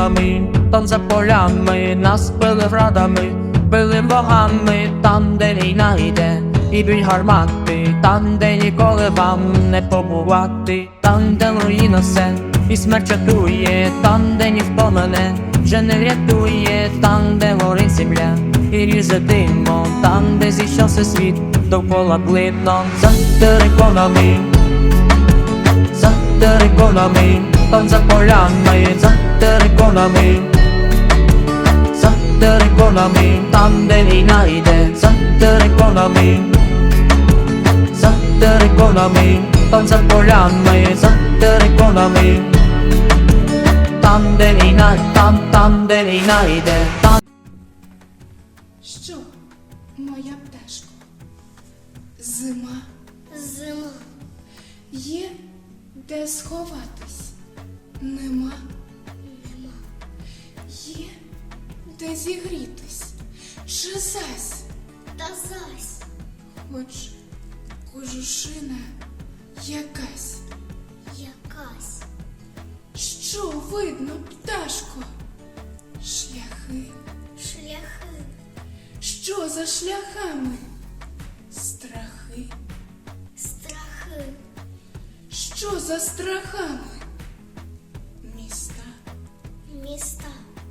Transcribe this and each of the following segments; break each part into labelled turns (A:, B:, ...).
A: териконами, там за полями нас били градами, били богами, там, де війна йде, і б'ють гармати, там, де ніколи вам не побувати, там, де руїна все, і смерть чатує, там, де ніхто мене вже не врятує, там, де горить земля і ріже димом, там, де зійшовся світ, довкола блидно. За териконами, за териконами, там за полями, за териконами, за териконами, там, де війна йде, за териконами, за териконами, там за полями, за териконами, там, де війна, там, де війна йде, там.
B: Що, моя пташко? Зима.
C: Зима.
B: Є де сховатись? Нема.
C: Нема.
B: Є де зігрітись? Чи зась?
C: Та зась.
B: Хоч кожушина якась.
C: Якась.
B: Що видно, пташко? Шляхи.
C: Шляхи.
B: Що за шляхами? Страхи.
C: Страхи.
B: Що за страхами? Міста.
C: Міста.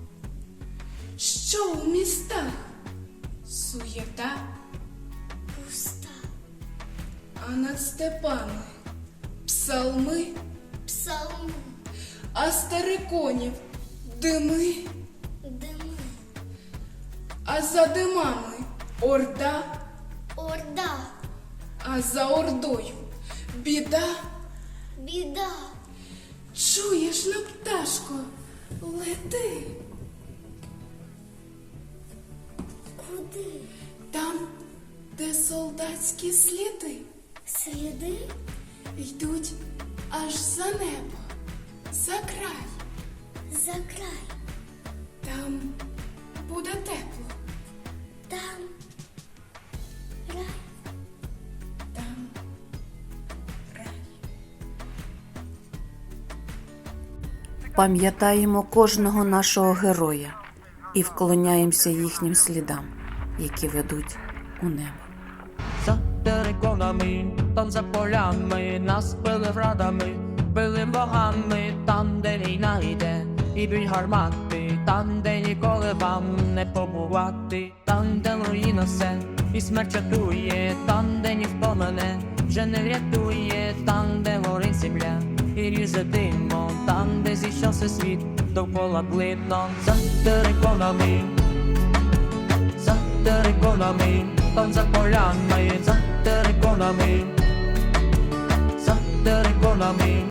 B: Що у містах? Суєта,
C: Пуста.
B: а над степами псалми,
C: Псалми.
B: а з териконів дими,
C: Дими.
B: а за димами орда,
C: Орда.
B: а за ордою біда.
C: Біда.
B: Чуєш, на пташко, лети.
C: Куди?
B: Там, де солдатські сліди
C: Сліди?
B: йдуть аж за небо, за край.
C: За край.
B: Там буде тепло,
C: Там. Рай.
B: там рай.
D: Пам'ятаємо кожного нашого героя і вклоняємося їхнім слідам, які ведуть у небо.
A: За териконами, там за полями, нас били градами, били богами, там, де війна йде, і б'ють гармати, там, де ніколи вам не побувати, там, де руїна все, і смерть чатує, там, де ніхто мене вже не врятує, там, де горить земля і ріже димом, там, де зійшовся світ, довкола блидно. За териконами, за териконами, там за полями, за териконами, за териконами.